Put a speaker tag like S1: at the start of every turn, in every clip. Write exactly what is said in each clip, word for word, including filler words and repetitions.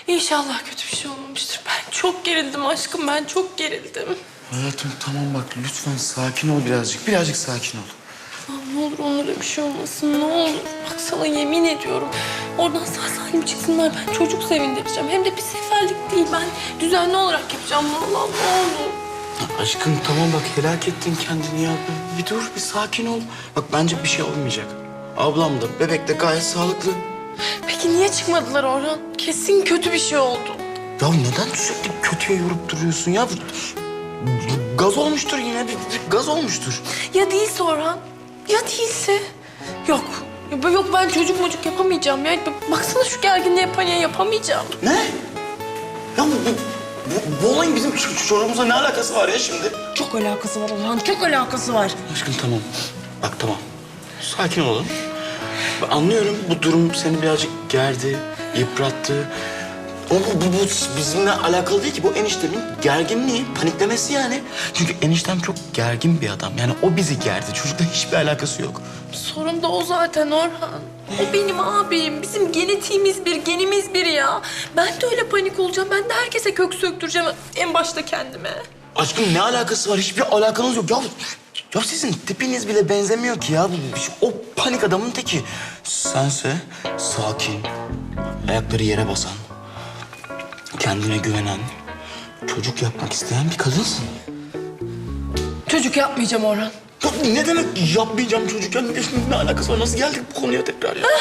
S1: İnşallah kötü bir şey olmamıştır. Ben çok gerildim aşkım, ben çok gerildim.
S2: Hayatım tamam bak lütfen sakin ol birazcık. Birazcık sakin ol.
S1: Allah'ım ne olur onlara bir şey olmasın, ne olur. Bak sana yemin ediyorum. Oradan sağ salim çıksınlar, ben çocuk sevindireceğim. Hem de bir seferlik değil, ben düzenli olarak yapacağım. Allah'ım ne olur.
S2: Ya aşkım tamam bak helak ettin kendini ya. Bir, bir dur bir sakin ol. Bak bence bir şey olmayacak. Ablam da bebek de gayet sağlıklı.
S1: Peki niye çıkmadılar Orhan? Kesin kötü bir şey oldu.
S2: Ya neden sürekli kötüye yorup duruyorsun ya? Gaz olmuştur yine bir, bir gaz olmuştur.
S1: Ya değilse Orhan? Ya değilse? Yok. Ya yok ben çocuk mocuk yapamayacağım ya. Baksana şu gerginliğe paniğe yapamayacağım.
S2: Ne? Ya bu, bu, bu, bu olayın bizim şu, şu çocuğumuzla ne alakası var ya şimdi?
S1: Çok alakası var Orhan, çok alakası var.
S2: Aşkım tamam. Bak tamam. Sakin olalım. Ben anlıyorum bu durum seni birazcık gerdi, yıprattı. Ama bu, bu, bu bizimle alakalı değil ki. Bu eniştemin gerginliği, paniklemesi yani. Çünkü eniştem çok gergin bir adam. Yani o bizi gerdi. Çocukla hiçbir alakası yok.
S1: Sorun da o zaten Orhan. O benim abim. Bizim genetiğimiz bir, genimiz bir ya. Ben de öyle panik olacağım. Ben de herkese kök söktüreceğim. En başta kendime.
S2: Aşkım ne alakası var? Hiçbir alakanız yok. Ya, ya sizin tipiniz bile benzemiyor ki ya. O panik adamın teki. Sense sakin, ayakları yere basan, kendine güvenen, çocuk yapmak isteyen bir kadınsın.
S1: Çocuk yapmayacağım Orhan.
S2: Ya ne demek yapmayacağım çocuk ya? Ne, ne alakası var? Nasıl geldik bu konuya tekrar ya?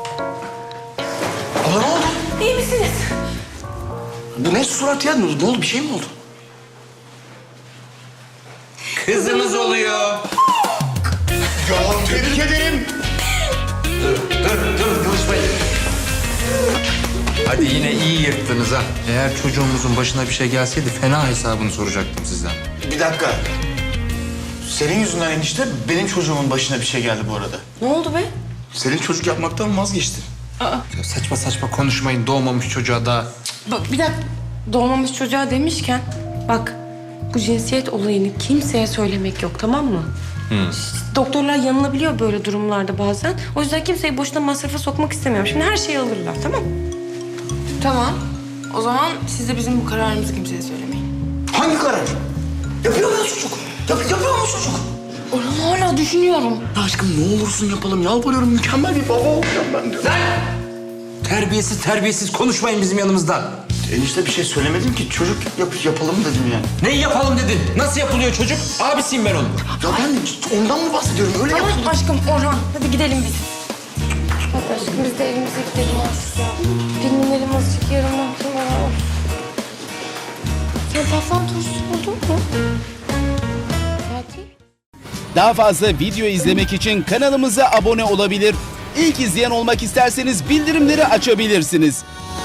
S2: Aa, ne oldu?
S1: İyi misiniz?
S2: Bu ne surat ya? Ne oldu? Ne oldu? Bir şey mi oldu?
S3: Kızımız oluyor.
S2: Ya tebrik ederim.
S3: Dur, dur, dur. Konuşmayın. Hadi yine iyi yırttınız ha. Eğer çocuğumuzun başına bir şey gelseydi fena hesabını soracaktım sizden.
S2: Bir dakika. Senin yüzünden enişte benim çocuğumun başına bir şey geldi bu arada.
S1: Ne oldu be?
S2: Senin çocuk yapmaktan vazgeçtin.
S3: Ya saçma saçma konuşmayın. Doğmamış çocuğa da.
S4: Bak bir dakika, doğmamış çocuğa demişken bak bu cinsiyet olayını kimseye söylemek yok, tamam mı? İşte doktorlar yanılabiliyor böyle durumlarda bazen. O yüzden kimseyi boşuna masrafa sokmak istemiyorum. Şimdi her şeyi alırlar, tamam mı?
S5: Tamam. O zaman siz de bizim bu kararımızı kimseye söylemeyin.
S2: Hangi karar? Yapıyor mu çocuk? Yap, yapıyor mu çocuk?
S1: Orhan hala düşünüyorum.
S2: Ya aşkım ne olursun yapalım. Yalvarıyorum mükemmel bir baba olacağım ben diyorum.
S3: Terbiyesiz terbiyesiz konuşmayın bizim yanımızdan.
S2: Enişte bir şey söylemedim ki. Çocuk yap, yapalım dedim yani.
S3: Neyi yapalım dedin? Nasıl yapılıyor çocuk? Abisiyim ben onun.
S2: Ya ben ondan mı bahsediyorum? Öyle
S4: Tamam
S2: yapalım.
S4: aşkım, Orhan hadi gidelim biz. Hadi aşkım biz de evimize gidelim artık ya. Dinlenelim azıcık, yarın mahkeme var. Sen taflan turşusu buldun mu? Fatih?
S6: Daha fazla video izlemek için kanalımıza abone olabilir. İlk izleyen olmak isterseniz bildirimleri açabilirsiniz.